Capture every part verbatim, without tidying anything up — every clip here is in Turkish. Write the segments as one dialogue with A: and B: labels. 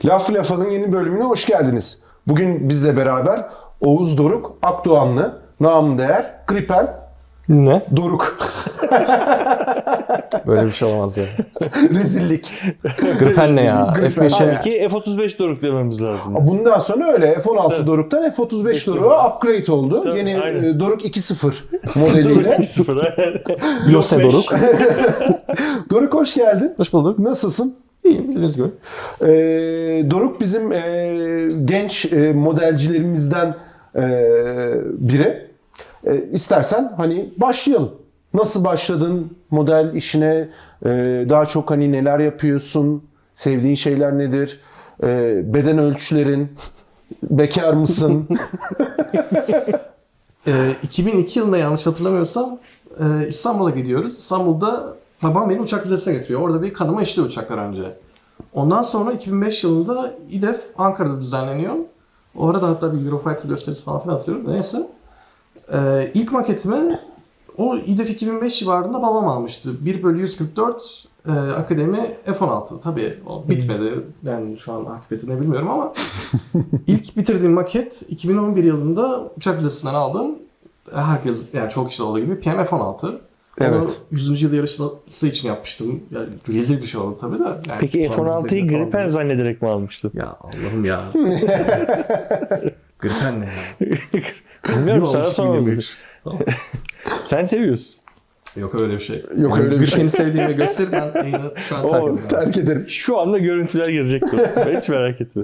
A: Laf Lafa'nın yeni bölümüne hoş geldiniz. Bugün bizle beraber Oğuz Doruk Akdoğanlı, namı değer Gripen
B: Ne?
A: Doruk.
B: Böyle bir şey olamaz ya.
A: Rezillik.
B: Gripen ne ya?
A: Gripen.
B: F beşe
A: Aynen.
C: Ki F otuz beş Doruk dememiz lazım.
A: Bundan sonra öyle F on altı
C: Evet.
A: Doruk'tan F otuz beş Doruk'a upgrade oldu.
C: Tabii,
A: Yeni
C: aynen.
A: e, Doruk iki sıfır modeliyle.
C: bir sıfır.
B: Yose Doruk.
A: Doruk hoş geldin.
B: Hoş bulduk.
A: Nasılsın?
B: İyiyim bildiğiniz gibi.
A: Ee, Doruk bizim e, genç e, modelcilerimizden e, biri. E, istersen hani başlayalım. Nasıl başladın model işine? E, daha çok hani neler yapıyorsun? Sevdiğin şeyler nedir? E, beden ölçülerin? Bekar mısın?
B: Ee, iki bin iki yılında yanlış hatırlamıyorsam e, İstanbul'a gidiyoruz. İstanbul'da babam beni uçak vizesine getiriyor. Orada bir kanıma işliyor uçaklar önce. Ondan sonra iki bin beş yılında İDEF Ankara'da düzenleniyor. O arada hatta bir Eurofighter gösterisi falan filan hatırlıyorum. Neyse. Ee, ilk maketimi o İDEF iki bin beş civarında babam almıştı. bir bölü yüz kırk dört e, Akademi F on altı. Tabii o bitmedi. Ben şu an akıbetini bilmiyorum ama ilk bitirdiğim maket iki bin on bir yılında uçak vizesinden aldım. Herkes yani çok kişi olduğu gibi P M F on altı.
A: Evet.
B: Onu yüzüncü yıl yarışması için yapmıştım. Yani rezil bir şey oldu tabii de. Yani
C: Peki F on altıyı
B: falan
C: Gripen
B: değil.
C: zannederek mi almıştın?
B: Ya Allah'ım ya. Gripen ne ya?
C: Bilmiyorum, sana
B: Olmuş
C: sormadım.
B: yirmi üç. Tamam.
C: Sen seviyorsun.
B: Yok öyle bir şey.
A: Yok öyle bir şey.
B: Gripen'i sevdiğimi göster, ben yayını şu an terk
C: Oo,
B: ediyorum.
A: Terk ederim.
C: Şu anda görüntüler girecek. Hiç merak etme.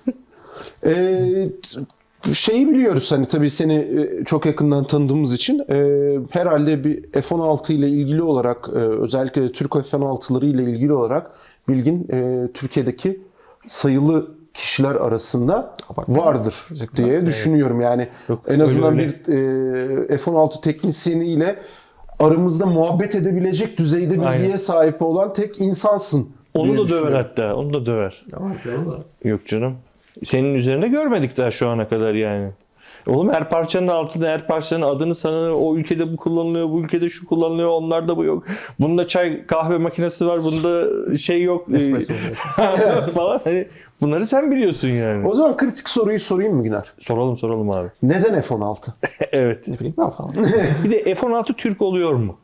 A: Ee, t- şeyi biliyoruz hani tabii seni e, çok yakından tanıdığımız için e, herhalde bir F on altı ile ilgili olarak e, özellikle de Türk F on altıları ile ilgili olarak bilgin e, Türkiye'deki sayılı kişiler arasında
B: Abartma.
A: vardır
B: Gerçekten.
A: diye düşünüyorum. Yani
C: Yok,
A: en azından
C: öyle
A: bir e, F on altı teknisyeniyle aramızda muhabbet edebilecek düzeyde bilgiye
C: Aynen.
A: sahip olan tek insansın.
C: Onu
A: diye
C: da döver
A: düşünüyorum.
C: hatta. Onu da döver.
B: Tamam, tamam da.
C: Yok canım. Senin üzerinde görmedik daha şu ana kadar yani. Oğlum her parçanın altında her parçanın adını sana o ülkede bu kullanılıyor, bu ülkede şu kullanılıyor, onlarda bu yok. Bunda çay kahve makinesi var, bunda şey yok
B: Espresso.
C: falan. Hani bunları sen biliyorsun yani.
A: O zaman kritik soruyu sorayım mı Güner?
C: Soralım soralım abi.
A: Neden F on altı?
C: Evet.
B: Ne bileyim ben falan.
C: Bir de F on altı Türk oluyor mu?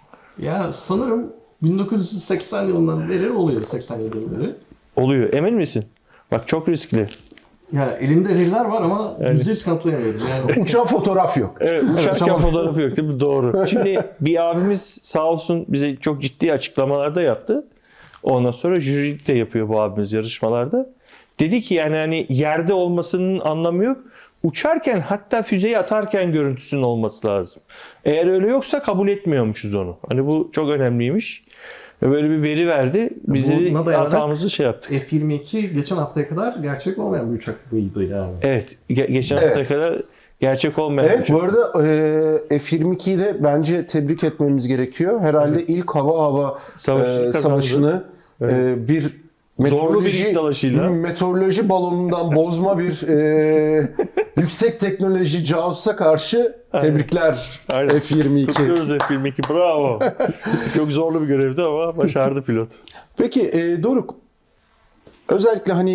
B: Ya sanırım bin dokuz yüz seksen yılından beri oluyor. seksen yılından beri.
C: Oluyor. Emin misin? Bak çok riskli.
B: Ya elimde veriler var ama
C: Evet.
B: yüzde yüz kanıtlayamıyorum. Yani
A: Uçan fotoğraf yok.
C: Evet, uçarken
B: tamam.
C: fotoğrafı yok değil mi? Doğru. Şimdi bir abimiz sağ olsun bize çok ciddi açıklamalar da yaptı. Ondan sonra jürilik de yapıyor bu abimiz yarışmalarda. Dedi ki yani hani yerde olmasının anlamı yok. Uçarken hatta füzeyi atarken görüntüsünün olması lazım. Eğer öyle yoksa kabul etmiyormuşuz onu. Hani bu çok önemliymiş. Ve böyle bir veri verdi. Biz de
B: Buna dayanarak
C: hatamızı şey yaptık.
B: F yirmi iki geçen haftaya kadar gerçek olmayan bir uçaklıydı yani.
C: Evet. ge- geçen
A: Evet.
C: haftaya kadar gerçek olmayan
A: Evet,
C: uçak.
A: bu arada e, F yirmi ikiyi de bence tebrik etmemiz gerekiyor. Herhalde ilk hava hava
C: Savaşı
A: e,
C: kazandı.
A: savaşını e, bir
C: Zorlu bir ilk dalaşıyla.
A: meteoroloji balonundan bozma bir e, yüksek teknoloji casusa karşı tebrikler
C: Aynen.
A: F yirmi iki.
C: Kutluyoruz F yirmi iki. Bravo. Çok zorlu bir görevdi ama başardı pilot.
A: Peki e, Doruk, özellikle hani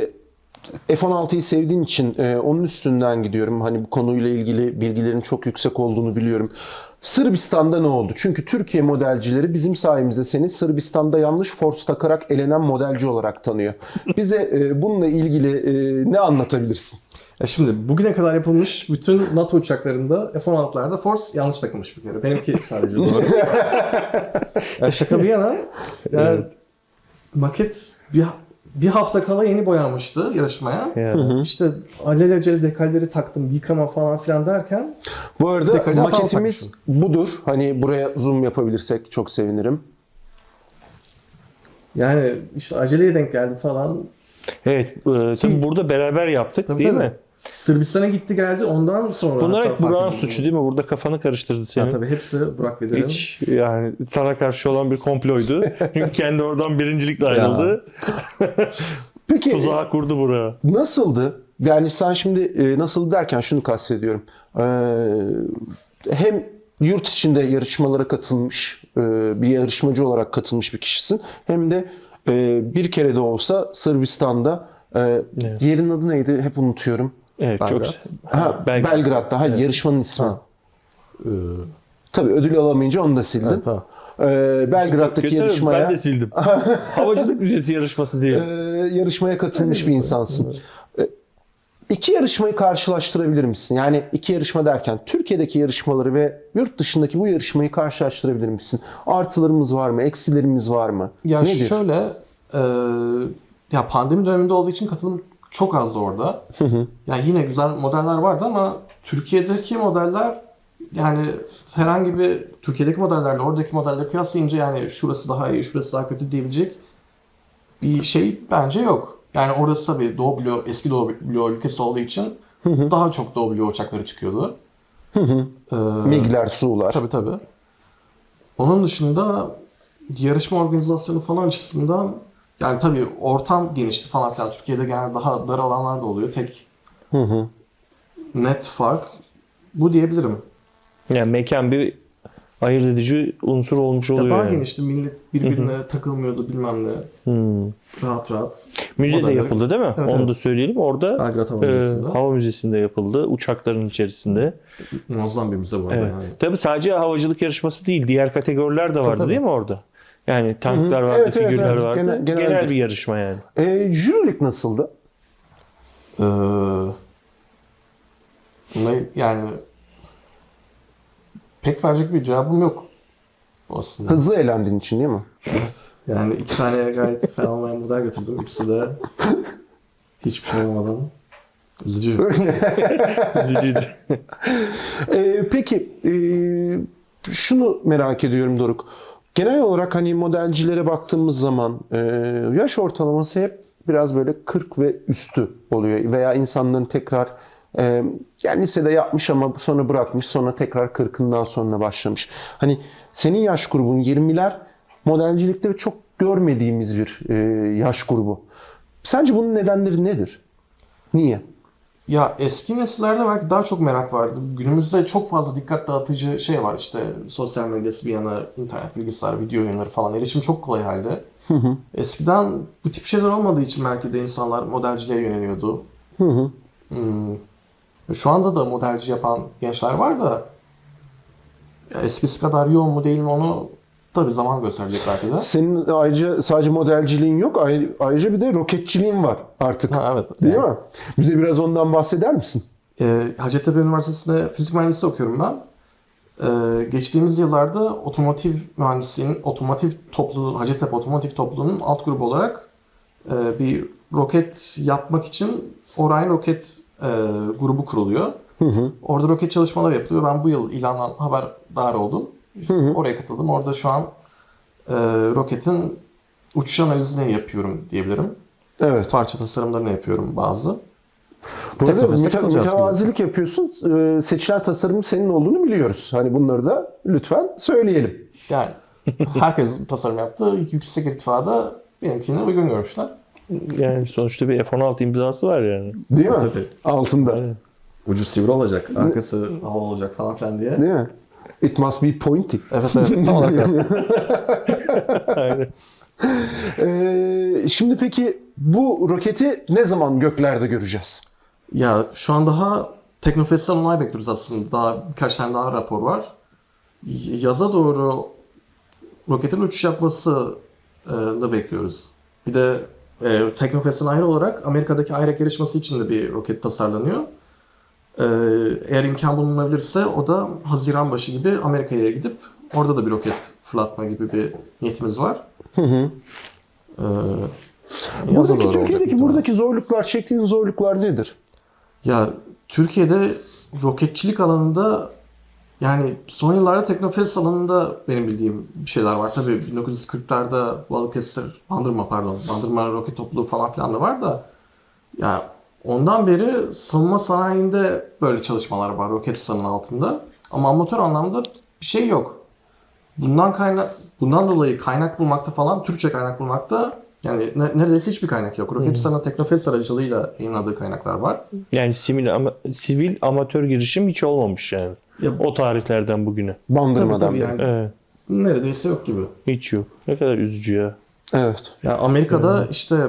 A: e, F on altıyı sevdiğin için e, onun üstünden gidiyorum. Hani bu konuyla ilgili bilgilerin çok yüksek olduğunu biliyorum. Sırbistan'da ne oldu? Çünkü Türkiye modelcileri bizim sayemizde seni Sırbistan'da yanlış force takarak elenen modelci olarak tanıyor. Bize e, bununla ilgili e, ne anlatabilirsin?
B: Ya şimdi bugüne kadar yapılmış bütün NATO uçaklarında F on altılarda Force yanlış takılmış bir kere. Benimki sadece doğru. Ya şaka bir yana yani maket bir, bir hafta kala yeni boyanmıştı yarışmaya.
C: Yani.
B: İşte alelacele dekalleri taktım, yıkama falan filan derken
A: Bu arada
B: Dekali hatalı
A: maketimiz budur. Hani buraya zoom yapabilirsek çok sevinirim.
B: yani işte aceleye denk geldi falan.
C: Evet. E, tabii burada beraber yaptık
B: Tabii,
C: değil
B: tabii.
C: mi?
B: Sırbistan'a gitti geldi ondan sonra.
C: Bunlar
B: hatta
C: hep Burak'ın
B: fark edildi.
C: suçu değil mi? Burada kafanı karıştırdı
B: Ya
C: senin.
B: tabii hepsi Burak Bedir'in.
C: Hiç yani sana karşı olan bir komploydu. Çünkü kendi oradan birincilikle ayrıldı.
A: Peki
C: Tuzağı kurdu Burak'a.
A: nasıldı? Yani sen şimdi e, nasıl derken şunu kastediyorum. E, hem yurt içinde yarışmalara katılmış e, bir yarışmacı olarak katılmış bir kişisin. Hem de e, bir kere de olsa Sırbistan'da Ee,
C: Evet.
A: Yerin adı neydi? Hep unutuyorum.
C: Evet, çok
B: Belgrad.
A: Ha,
C: Belgrad.
A: Belgrad'da. Hayır, yarışmanın ismi.
B: Ha. Ee,
A: Tabii ödül alamayınca onu da sildin.
B: evet, tamam.
A: Ee, Belgrad'daki
C: Kötü,
A: yarışmaya
C: ben de sildim. Havacılık müzesi yarışması diye.
A: e, yarışmaya katılmış bir insansın. E, İki yarışmayı karşılaştırabilir misin? Yani iki yarışma derken Türkiye'deki yarışmaları ve yurt dışındaki bu yarışmayı karşılaştırabilir misin? Artılarımız var mı? Eksilerimiz var mı?
B: Ya
A: Nedir?
B: şöyle, e, ya pandemi döneminde olduğu için katılım çok azdı orada. Yani yine güzel modeller vardı ama Türkiye'deki modeller, yani herhangi bir Türkiye'deki modellerle oradaki modelleri kıyaslayınca yani şurası daha iyi, şurası daha kötü diyebilecek bir şey bence yok. Yani orası tabii Doğu bloğu, eski Doğu bloğu ülkesi olduğu için daha çok Doğu bloğu uçakları çıkıyordu. Ee,
A: MiG'ler, Su'lar.
B: Tabii tabii. Onun dışında yarışma organizasyonu falan açısından yani tabii ortam genişti falan filan. Türkiye'de genelde daha dar alanlar da oluyor. Tek net fark bu diyebilirim.
C: Yani mekan bir ayırt edici unsur olmuş
B: Ya
C: oluyor
B: daha
C: yani.
B: genişti. Millet birbirine takılmıyordu bilmem ne.
C: Hmm.
B: Rahat rahat.
C: Müze de
B: Modelleri-
C: yapıldı değil mi?
B: Evet,
C: Onu
B: evet.
C: da söyleyelim. Orada
B: Belgrad Hava
C: e,
B: Müzesi'nde.
C: hava müzesinde yapıldı. Uçakların içerisinde.
B: Muazzam bir müze bu arada.
C: Evet.
B: Yani.
C: Tabii sadece havacılık yarışması değil. Diğer kategoriler de vardı
B: tabii.
C: değil mi orada? Yani tanklar
A: Hı hı.
C: vardı,
A: Evet, evet,
C: figürler
A: evet.
C: vardı.
A: Genel-
C: Genel,
A: genel bir-
C: bir yarışma yani.
A: E, jürilik nasıldı?
B: Ee, buna yani pek verecek bir cevabım yok aslında.
A: Hızlı eğlendiğin için değil mi?
B: Evet. Yani iki tane gayet fena olmayan model götürdüm. İkisi de hiçbir şey olmadan. Üzücü.
C: Üzücüydü.
A: Ee, peki e, şunu merak ediyorum Doruk. Genel olarak hani modelcilere baktığımız zaman e, yaş ortalaması hep biraz böyle kırk ve üstü oluyor. Veya insanların tekrar e, yani lisede yapmış ama sonra bırakmış, sonra tekrar kırkından sonra başlamış. Hani senin yaş grubun yirmiler, modelcilikte çok görmediğimiz bir e, yaş grubu. Sence bunun nedenleri nedir? Niye?
B: Ya eski nesillerde belki daha çok merak vardı. Günümüzde çok fazla dikkat dağıtıcı şey var. İşte sosyal medyası bir yana, internet, bilgisayar, video oyunları falan. Erişim çok kolay halde. Eskiden bu tip şeyler olmadığı için belki de insanlar modelciliğe yöneliyordu. Hmm. Şu anda da modelci yapan gençler var da ya eskisi kadar yoğun mu değil mi onu tabii zaman gösterecek belki de.
A: Senin ayrıca sadece modelciliğin yok, ayrı- ayrıca bir de roketçiliğin var artık.
B: Ha, evet.
A: Değil
B: Yani,
A: mi? Bize biraz ondan bahseder misin?
B: e, Hacettepe Üniversitesi'nde fizik mühendisliği okuyorum ben. E, geçtiğimiz yıllarda otomotiv mühendisliğinin otomotiv topluluğu, Hacettepe Otomotiv Topluluğu'nun alt grubu olarak e, bir roket yapmak için Orion Roket e, grubu kuruluyor. Orada roket çalışmaları yapılıyor. Ben bu yıl ilandan haberdar oldum. Oraya katıldım. Orada şu an e, roketin uçuş analizini yapıyorum diyebilirim.
A: Evet.
B: Parça tasarımlarını yapıyorum bazı.
A: Bu arada
B: Teknofest'e
A: müte-
B: katılacağız
A: mütevazilik yapıyorsun. Ee, seçilen tasarımın senin olduğunu biliyoruz. Hani bunları da lütfen söyleyelim.
B: Yani herkes tasarım yaptı. Yüksek irtifada benimkine uygun görmüşler.
C: Yani sonuçta bir F on altı imzası var yani.
A: Değil mi?
B: Tabii.
A: Altında.
C: Aynen.
B: Ucu sivri olacak, arkası havalı olacak falan filan diye.
A: Değil mi? It must be pointy.
B: Evet evet tam olarak öyle.
C: Aynen.
A: Ee, şimdi peki bu roketi ne zaman göklerde göreceğiz?
B: Ya şu an daha Teknofest'ten onay bekliyoruz aslında. Daha birkaç tane daha rapor var. Y- Yaza doğru roketin uçuş yapması e, da bekliyoruz. Bir de e, Teknofest'ten ayrı olarak Amerika'daki I R A C yarışması için de bir roket tasarlanıyor. E, eğer imkan bulunabilirse o da Haziran başı gibi Amerika'ya gidip orada da bir roket fırlatma gibi bir niyetimiz var. Hı hı. E, yaza
A: Buradaki
B: doğru olacak
A: Türkiye'deki
B: muhtemelen.
A: buradaki zorluklar, çektiğin zorluklar nedir?
B: Ya Türkiye'de roketçilik alanında yani son yıllarda Teknofest alanında benim bildiğim bir şeyler var. Tabii bin dokuz yüz kırklarda Balıkesir, Bandırma pardon, Bandırma Roket Topluluğu falan filan da var da ya ondan beri savunma sanayinde böyle çalışmalar var Roketsan'ın altında. Ama amatör anlamda bir şey yok. Bundan kaynak bundan dolayı kaynak bulmakta falan Türkçe kaynak bulmakta yani ne- neredeyse hiçbir kaynak yok. Roketsan'ın Teknofest aracılığıyla yayınladığı kaynaklar var.
C: Yani sivil, ama, sivil amatör girişim hiç olmamış yani.
B: Ya,
C: O tarihlerden bugüne.
A: Bandırmadan
B: tabii,
A: beri.
B: tabii
C: Evet.
B: neredeyse yok gibi.
C: Hiç yok. Ne kadar üzücü ya.
A: Evet.
B: Ya Amerika'da işte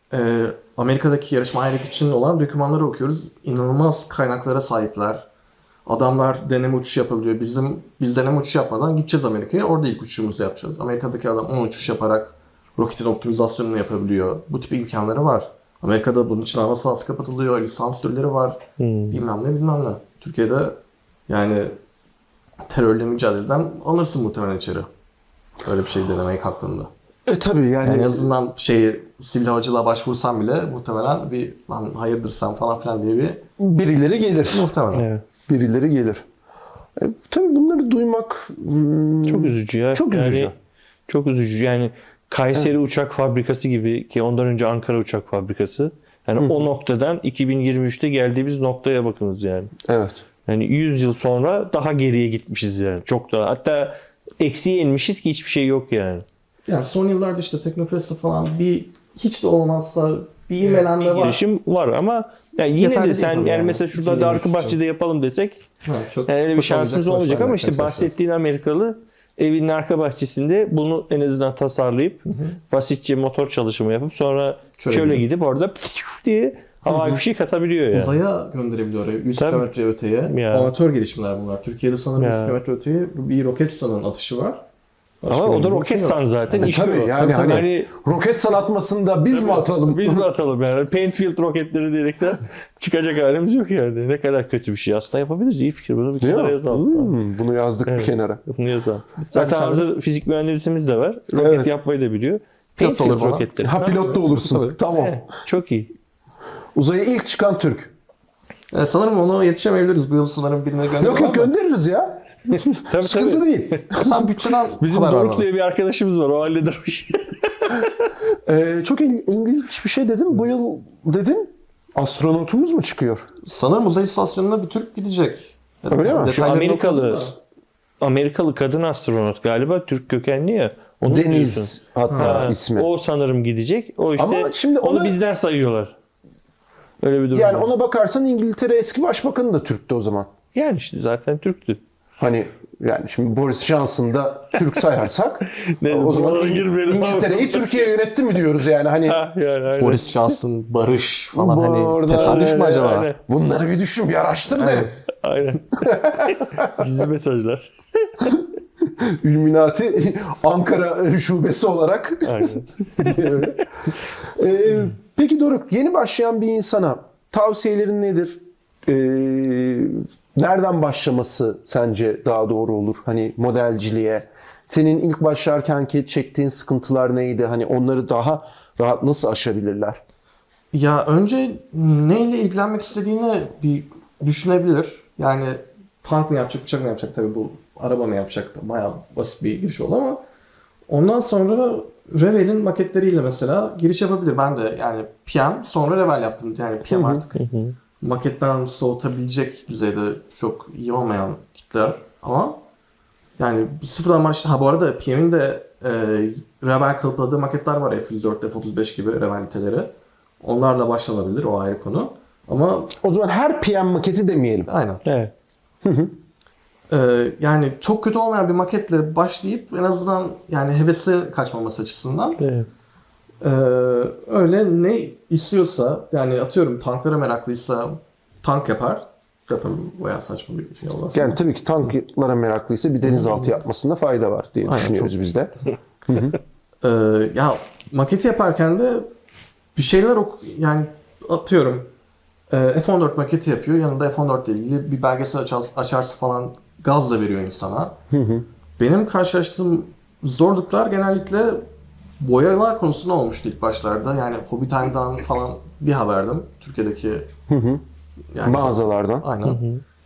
B: e, Amerika'daki yarışma aylık için olan dokümanları okuyoruz. İnanılmaz kaynaklara sahipler. Adamlar deneme uçuş yapabiliyor. Bizim biz deneme uçuş yapmadan gideceğiz Amerika'ya. Orada ilk uçuşumuzu yapacağız. Amerika'daki adam on uçuş yaparak roketin optimizasyonunu yapabiliyor. Bu tip imkanları var. Amerika'da bunun için hava sahası kapatılıyor. Lisans türleri var.
C: Hmm.
B: Bilmem ne bilmem ne. Türkiye'de yani terörle mücadeleden alırsın muhtemelen içeri. Öyle bir şey denemeye kalktığında.
A: E tabii yani,
B: Yani en azından şeyi sivil havacılığa başvursan bile muhtemelen bir lan hayırdır sen falan filan diye bir
A: birileri gelir.
B: muhtemelen.
C: Evet.
A: Birileri gelir. E, tabii bunları duymak hmm,
C: Çok üzücü ya.
A: Çok üzücü.
C: Yani, çok üzücü. Yani Kayseri Uçak Fabrikası gibi, ki ondan önce Ankara Uçak Fabrikası. Yani o noktadan iki bin yirmi üçte geldiğimiz noktaya bakınız yani.
A: Evet.
C: Yani yüz yıl sonra daha geriye gitmişiz yani. Çok daha. Hatta eksiye inmişiz ki hiçbir şey yok yani.
B: Yani son yıllarda işte Teknofest'te falan bir hiç de olmazsa bir ivmelenme var.
C: Girişim var ama yani yine
B: Yeterli
C: de
B: değil
C: sen
B: tabii
C: yani,
B: yani.
C: mesela şurada
B: iki bin yirmi üç
C: Darkı
B: için.
C: yapalım desek
B: Ha, çok
C: yani öyle bir
B: hoş
C: şansımız
B: olacak,
C: olmayacak
B: hoş
C: ama
B: olacak
C: işte
B: karşılaşacağız.
C: bahsettiğin Amerikalı evinin arka bahçesinde bunu en azından tasarlayıp basitçe motor çalışımı yapıp sonra
B: Şöyle
C: şöyle,
B: bir-
C: gidip orada diye havai bir şey katabiliyor yani.
B: Uzaya gönderebiliyor oraya. yüz
C: Tabii.
B: kilometre öteye.
C: Ya.
B: Amatör gelişimler bunlar. Türkiye'de sanırım
C: Ya.
B: yüz kilometre öteye bir Roketsan'ın atışı var. Başka
C: Ama o da
B: bir şey yok.
C: Roketsan zaten
A: E,
C: işliyor.
A: tabii yani hani,
C: hani
A: roket sanatmasında biz mi atalım?
C: biz mi atalım yani? Paintfield roketleri diyerekten çıkacak halimiz yok yani. Ne kadar kötü bir şey. Aslında yapabiliriz. İyi fikir. Bunu bir
A: Değil
C: kenara
A: mi?
C: yazalım.
A: Hmm, bunu yazdık bir
C: Evet.
A: kenara.
C: Bunu yazalım. Zaten
B: sen-
C: hazır fizik mühendisimiz de var. Roket
A: Evet.
C: yapmayı da biliyor.
B: Pilot da olur
C: Paintfield
B: falan.
C: roketleri.
A: Ha, pilot da olursun. Tamam.
C: Evet, çok iyi.
A: Uzaya ilk çıkan Türk.
B: Yani sanırım ona yetişemeyebiliriz. Bu yıl sanırım birine gönderelim.
A: Yok yok, göndeririz ya.
C: Tabii,
A: Sıkıntı
C: tabii.
A: değil.
B: Sen bütçeden
C: Bizim
B: haber ver
C: Doruk
B: bana.
C: diye bir arkadaşımız var. O halleder o işi.
A: Ee, çok il- ilginç bir şey dedin. Bu yıl dedin astronotumuz mu çıkıyor?
B: Sanırım uzay istasyonuna bir Türk gidecek.
A: Öyle mi?
B: Detaylarını
C: Şu Amerikalı
B: okumadım da.
C: Amerikalı kadın astronot galiba, Türk kökenli ya. Onu diyorsun.
A: Deniz hatta
C: Ha,
A: ismi.
C: O sanırım gidecek. O işte
A: Ama şimdi
C: onu
A: ona-
C: bizden sayıyorlar. Öyle bir durum.
A: Yani
C: var.
A: ona bakarsan İngiltere eski başbakanı da Türk'tü o zaman.
C: Yani işte zaten Türktü.
A: Hani yani şimdi Boris Johnson da Türk sayarsak
C: Neyse,
A: o zaman
C: buralara
A: İng-
C: girmeyelim abi.
A: İngiltere'yi Türkiye yönetti mi diyoruz yani hani
C: Ha, yani aynen.
B: Boris Johnson, Barış falan
A: Bu
B: hani
A: arada-
B: tesadüf mü
A: Evet,
B: acaba?
C: aynen.
A: bunları bir düşün, bir araştır derim.
C: Aynen. Gizli mesajlar.
A: Illuminati Ankara şubesi olarak.
C: Aynen.
A: Ee, peki Doruk, yeni başlayan bir insana tavsiyelerin nedir? Ee, nereden başlaması sence daha doğru olur? Hani modelciliğe. Senin ilk başlarkenki çektiğin sıkıntılar neydi? Hani onları daha rahat nasıl aşabilirler?
B: Ya önce neyle ilgilenmek istediğini bir düşünebilir. Yani tank mı yapacak, uçak mı yapacak, tabii bu araba mı yapacak da bayağı basit bir giriş oldu ama ondan sonra Revel'in maketleriyle mesela giriş yapabilir. Ben de yani P M sonra Revel yaptım. Yani P M artık maketten soğutabilecek düzeyde çok iyi olmayan kitler ama yani sıfırdan başla. Ha bu arada P M'in de e, Revel kalıpladığı maketler var. F yüz dört, F otuz beş gibi Revel niteleri. Onlarla başlanabilir, o ayrı konu. Ama
A: O zaman her P M maketi demeyelim.
B: aynen.
C: Evet.
B: Ee, yani çok kötü olmayan bir maketle başlayıp en azından yani hevesi kaçmaması açısından
C: Evet.
B: ee, öyle ne istiyorsa yani atıyorum tanklara meraklıysa tank yapar. Zaten bayağı saçma bir şey olmaz.
A: Yani tabii ki tanklara meraklıysa bir denizaltı yapmasında fayda var diye
B: Aynen,
A: düşünüyoruz
B: çok-
A: biz de.
B: Ee, ya maketi yaparken de bir şeyler ok yani atıyorum e, F on dört maketi yapıyor. Yanında F on dört ile ilgili bir belgesel açar, açarsa falan gaz da veriyor insana. Benim karşılaştığım zorluklar genellikle boyalar konusunda olmuştu ilk başlarda. Yani Hobby Time'dan falan bir haberdim. Türkiye'deki yani
A: Mağazalardan.
B: aynen.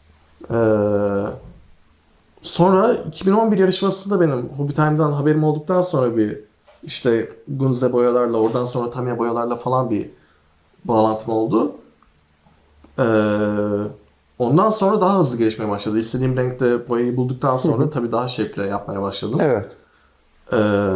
B: Ee, sonra iki bin on bir yarışmasında benim Hobby Time'dan haberim olduktan sonra bir işte Gunze boyalarla, oradan sonra Tamiya boyalarla falan bir bağlantım oldu. Ee, ondan sonra daha hızlı gelişmeye başladı. İstediğim renkte boyayı bulduktan sonra tabii daha şevkle yapmaya başladım.
A: Evet.
B: Ee,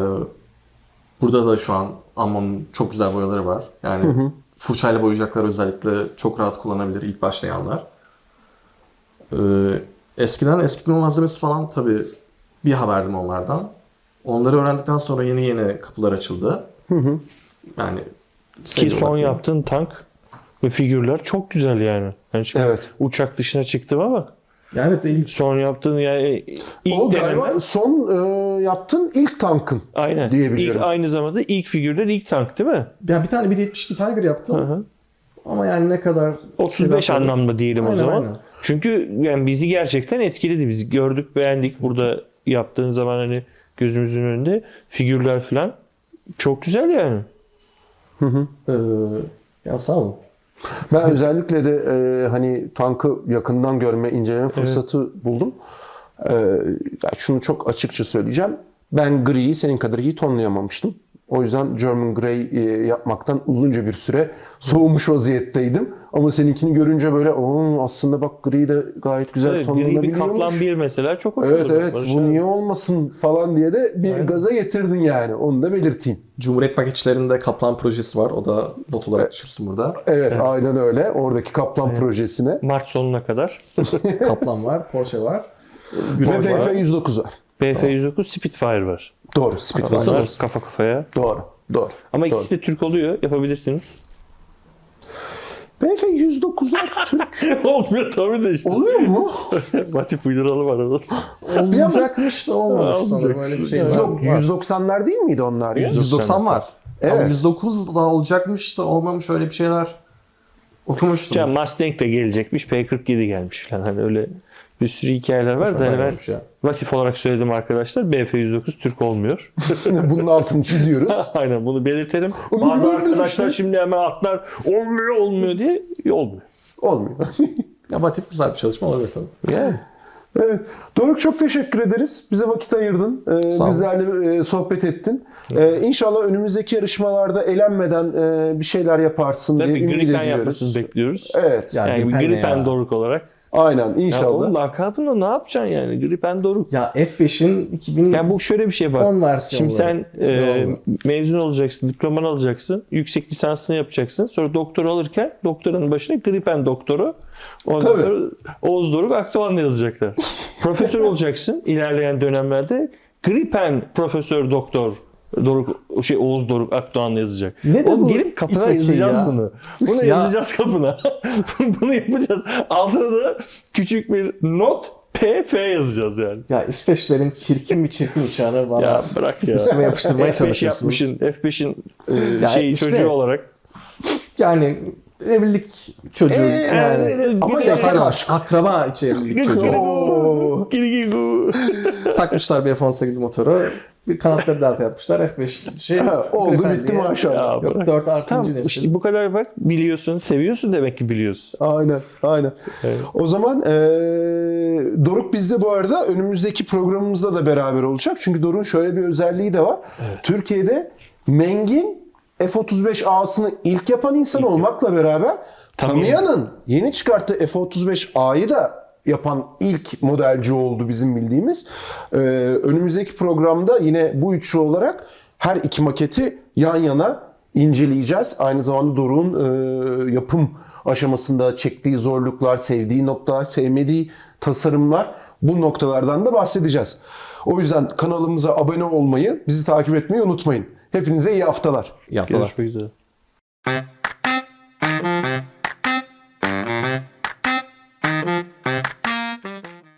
B: burada da şu an Ammon'un çok güzel boyaları var. Yani fırçayla boyayacaklar özellikle çok rahat kullanabilir ilk başlayanlar. Ee, eskiden eskitme malzemesi falan tabii bir haberdim onlardan. Onları öğrendikten sonra yeni yeni kapılar açıldı. Yani
C: Ki son yaptığın tank ve figürler çok güzel yani. Yani şimdi
A: Evet.
C: uçak dışına çıktım ama
B: Yani evet ilk
C: son yaptığın yani ilk
A: O
C: deneme.
A: galiba son e, yaptığın ilk tankın.
C: Aynen.
A: diyebiliyorum.
C: İlk, aynı zamanda ilk figürler ilk tank değil mi?
B: ya bir tane bir yetmiş iki Tiger yaptım.
C: Hı hı.
B: Ama yani ne kadar
C: otuz beş
B: şey yapmadım.
C: anlamda diyelim o
B: Aynen,
C: zaman.
B: aynen.
C: Çünkü yani bizi gerçekten etkiledi. Biz gördük, beğendik. Burada yaptığın zaman hani gözümüzün önünde figürler falan çok güzel yani.
B: Ee, ya sağ olun.
A: Ben özellikle de e, hani tankı yakından görme, inceleme fırsatı buldum. E, ya şunu çok açıkça söyleyeceğim. Ben griyi senin kadar iyi tonlayamamıştım. O yüzden German Grey e, yapmaktan uzunca bir süre soğumuş vaziyetteydim. Ama seninkini görünce böyle "Oo, aslında bak gri de gayet güzel
C: Evet, gri bir
A: tonlanabiliyormuş."
C: Kaplan bir mesela çok hoş
A: Evet
C: olur.
A: evet
C: Barış
A: bu
C: abi.
A: niye olmasın falan diye de bir gaza getirdin yani. Onu da belirteyim.
B: Cumhuriyet paketçilerinde Kaplan projesi var. O da not olarak düşürsün burada.
A: Evet, aynen öyle. Oradaki Kaplan projesine.
C: Mart sonuna kadar.
B: Kaplan var, Porsche var.
A: Ve
B: Porsche
A: B
B: var.
A: F yüz dokuz var.
C: B F yüz dokuz Spitfire var.
A: Doğru. Spitfire.
B: Nasıl
C: Onlar
B: olsun?
C: kafa kafaya.
A: Doğru. Doğru.
C: Ama
A: Doğru.
C: ikisi de Türk oluyor. Yapabilirsiniz.
A: B F yüz dokuzlar Türk
C: Olmuyor tabii de işte.
A: oluyor mu?
C: Batif uyduralım arada.
B: Olacakmış da olmamış
C: Olacak.
B: sanırım. Öyle bir şey var.
A: Yok yüz doksanlar değil miydi onlar ya?
B: yüz doksan var. Ama
A: Evet.
B: yüz dokuz da olacakmış da olmamış, öyle bir şeyler okumuştum.
C: Ya Mustang de gelecekmiş. P kırk yedi gelmiş falan. Hani öyle bir sürü hikayeler var da hani ben
B: Olmuş ya.
C: Latif olarak söyledim arkadaşlar. B F yüz dokuz Türk olmuyor.
A: Bunun altını çiziyoruz.
C: Aynen bunu belirtelim.
A: Onu
C: Bazı
A: gördüm
C: arkadaşlar
A: işte.
C: şimdi hemen atlar olmuyor olmuyor diye olmuyor.
A: Olmuyor.
B: Ya Batif güzel bir çalışma olabilir tabii.
C: Yani.
A: Evet. Doruk çok teşekkür ederiz. Bize vakit ayırdın. Ee,
B: Sağ ol.
A: bizlerle e, sohbet ettin. Ee, inşallah önümüzdeki yarışmalarda elenmeden e, bir şeyler yaparsın diye
C: Tabii
A: ümit
C: Gripen
A: ediyoruz.
C: yapmasını bekliyoruz.
A: Evet.
B: Ya,
C: Yani
B: Gripen ne
C: Gripen
B: ya?
C: Doruk olarak.
A: Aynen
C: Ya
A: inşallah.
C: oğlum lakabını ne yapacaksın yani? Gripen Doruk.
B: Ya F beşin iki bin
C: Yani bu şöyle bir şey bak.
B: on versiyonu.
C: Şimdi sen e,
B: Ne oldu?
C: mezun olacaksın, diplomanı alacaksın, yüksek lisansını yapacaksın. Sonra doktor alırken doktoranın başına Gripen doktoru, ondan
A: Tabii.
C: sonra Oğuz Doruk Akdoğan'la yazacaklar. Profesör olacaksın ilerleyen dönemlerde. Gripen Profesör Doktor Doruk şey Oğuz Doruk Akdoğan'la yazacak.
B: Ne de
C: Oğlum
B: bu
C: gelip kapına
B: İsveççe
C: yazacağız
B: ya?
C: bunu. Bunu
B: Ya.
C: yazacağız kapına. Bunu yapacağız. Altına da küçük bir not P F yazacağız yani.
B: Ya İsveçlilerin çirkin bir çirkin uçağını bana
C: Ya bırak ya.
B: üstüme yapıştırmaya
C: F beş
B: çalışıyorsunuz.
C: yapmışsın. F beşin e,
B: Ya
C: şeyi
B: işte.
C: çocuğu olarak.
B: Yani evlilik çocuğu yani.
C: Ee,
A: Ama
B: Şey,
A: yasak
B: pardon,
A: aşk.
B: akraba içi evlilik çocuğu.
A: Oo.
C: Gili gili.
B: Takmışlar bir F on sekiz motoru. Bir kanatları delta yapmışlar. F beş şey.
A: Ha, oldu
B: Gripen
A: bitti
B: diye.
A: maşallah.
C: Ya
B: Yok
C: bırak.
B: dört artıncı
C: Tamam
B: nesil.
C: işte bu kadar bak biliyorsun seviyorsun demek ki biliyorsun.
A: Aynen, aynen.
C: Evet.
A: O zaman eee Doruk bizde bu arada önümüzdeki programımızda da beraber olacak. Çünkü Doruk'un şöyle bir özelliği de var. Türkiye'de Meng'in F otuz beş A'sını ilk yapan insan olmakla beraber Tamiya'nın yeni çıkarttığı F otuz beş A'yı da yapan ilk modelci oldu bizim bildiğimiz. Ee, önümüzdeki programda yine bu üçlü olarak her iki maketi yan yana inceleyeceğiz. Aynı zamanda Doruk'un e, yapım aşamasında çektiği zorluklar, sevdiği noktalar, sevmediği tasarımlar, bu noktalardan da bahsedeceğiz. O yüzden kanalımıza abone olmayı, bizi takip etmeyi unutmayın. Hepinize iyi haftalar.
B: İyi haftalar.
C: Görüşmek üzere.